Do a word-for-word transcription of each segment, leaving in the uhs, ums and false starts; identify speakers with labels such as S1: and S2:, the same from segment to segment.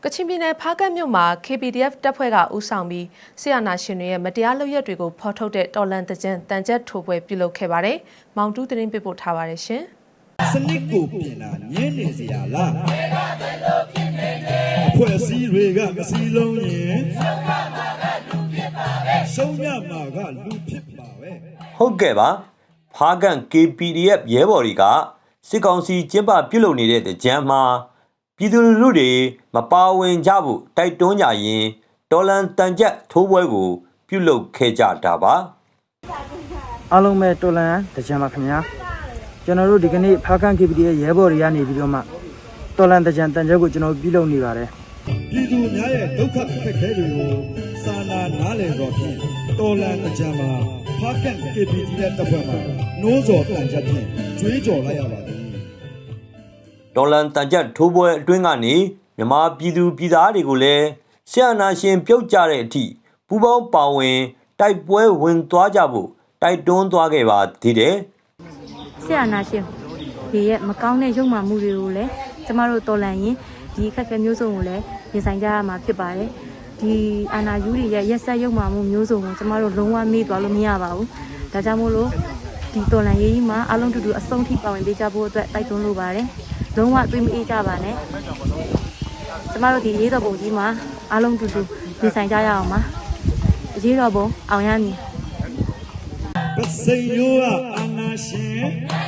S1: ကချင်ပြည်နယ်ဖားကတ်မြို့မှာ K P D F တပ်ဖွဲ့ကဦးဆောင်ပြီးဆီယနာရှင်တွေရဲ့မတရားလုပ်ရက်တွေကိုဖော်ထုတ်တဲ့တော်လန်တကြံတန်ကြပ်ထိုးပွဲပြုလုပ်ခဲ့ပါတယ်။မောင်တူးသတင်းပေးပို့ထားပါတယ်ရှင်
S2: ။စနစ်ကိုပြင်လာညင်းနေစရာလား။အဖွဲ့အစည်းတွေကမစည်းလုံးရင်ရှုံးရမှာကလူဖြစ်ပါပဲ
S3: ။ဟုတ်ကဲ့ပါ။ဖားကတ် K P D F ရဲဘော်တွေကစစ်ကောင်စီကျင်းပပြုလုပ်နေတဲ့တကြံမှာပြည်သူလူထုတွေမပါဝင်ကြဘူးတိုက်တွန်းကြရင်တော်လန်တန်ကြပ်ထိုးပွဲကိုပြုလုပ်ခဲ့ကြတာပါ
S4: အားလုံးပဲတော်လန်တကြံပါခင်ဗျာကျွန်တော်တို့ဒီကနေ့ဖားကန့် K P D F ရဲဘော်တွေကနေပြီးတော့မှတော်လန်တကြံတန်ကြပ်ကိုကျွန်တော်ပြုလုပ်နေပါတယ်
S2: ပြည်သူများရဲ့ဒုက္ခအခက်အခဲတွေကိုစာနာနားလည်တော်ဖြင့်တော်လန်တကြံမှာဖားကန့် K P D F တပ်ဖွဲ့မှာနိုးစော်တန်ကြပ်ဖြင့်ကြွေးကြော်လိုက်ရပါသည်
S3: တော်လန်တန်ကြပ်ထိုးပွဲအတွင်းကနေမြန်မာပြည်သူပြည်သားတွေကိုလည်းဆီယနာရှင်ပြုတ်ကြတဲ့အထိပူပေါင်းပါဝင်တိုက်ပွဲဝင်သွားကြဖို့တိုက်တွန်းသွားခဲ့ပါသေးတယ်
S5: ဆီယနာရှင်ဒီရဲ့မကောင်းတဲ့ရုပ်မှမှုတွေကိုလည်းကျမတို့တော်လန်ရင်ဒီခက်ခဲမျိုးစုံကိုလည်းရင်ဆိုင်ကြရမှာဖြစ်ပါတယ်ဒီအာနာယူတွေရဲ့ရက်ဆက်ရုပ်မှမှုမျိုးစုံကိုကျမတို့လုံးဝမေ့သွားလို့မရပါဘူးဒါကြောင့်မို့လို့ဒီတော်လန်ရေးကြီးမှာအလုံးတူတူအဆုံးထိပါဝင်ပေးကြဖို့အတွက်တိုက်တွန်းလိုပါတယ်လုံးဝတွေးမအေးကြပါနဲ့ကျမတို့ဒီရေးတော်ပုံကြီးမှာအားလုံးတူတူနေဆိုင်ကြရအောင်ပါအရေးတော်ပုံအောင်ရမည်
S2: ပစိန်ရိုးကအာနာရှင်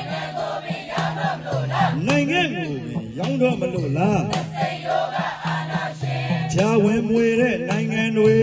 S2: နိုင်ငံကိုရောင်းတော့မလို့လားပစိန်ရိုးကအာနာရှင်ဂျာဝင်မွေတဲ့နိုင်ငံတွေ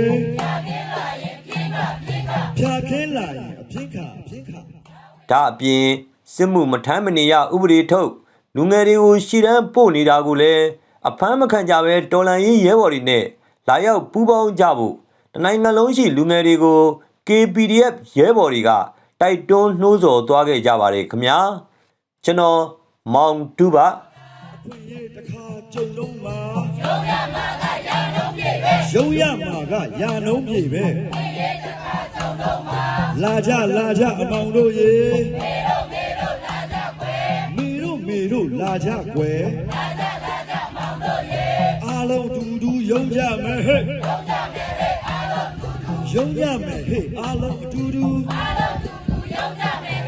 S2: ဖြာခင်းလာရင်အပြင်းခါအပြင်းခါ
S3: ဒါအပြင်စစ်မှုမထမ်းမနေရဥပဒေထုတ်လူငယ်တွေကိုရှီတန်းပို့နေတာကိုလည်းအဖမ်းမခံကြပဲတော်လန်ရေးရဲဘော်တွေနဲ့လာရောက်ပူးပေါင်းကြဖို့တနိုင်ငံလုံးရှိလူငယ်တွေကို K P D F ရဲဘော်တွေကတိုက်တွန်းနှိုးဆော်သွားခဲ့ကြပါတယ်ခင်ဗျာကျွန်တော်မောင်တူပါ
S2: အခွင့်အရေးတစ်ခါကြုံတော့မှာရုံရမှာကရာနှုံးပြေပဲရုံရမှာကရာနှုံးပြေပဲအခွင့်အရေးတစ်ခါကြုံတော့မှာလာကြလာကြအမောင်တို့ရေမေတို့မေတို့လာကြကွယ်မေတို့မေတို့လာကြကွယ်လာကြလာကြမောင်တို့ရေအားလုံးတူတူရုံကြမယ်ဟဲ့ရုံကြမယ်ဟဲ့အားလုံးတူတူရုံကြမယ်ဟဲ့အားလုံးတူတူအားလုံးတူတူရုံကြမယ်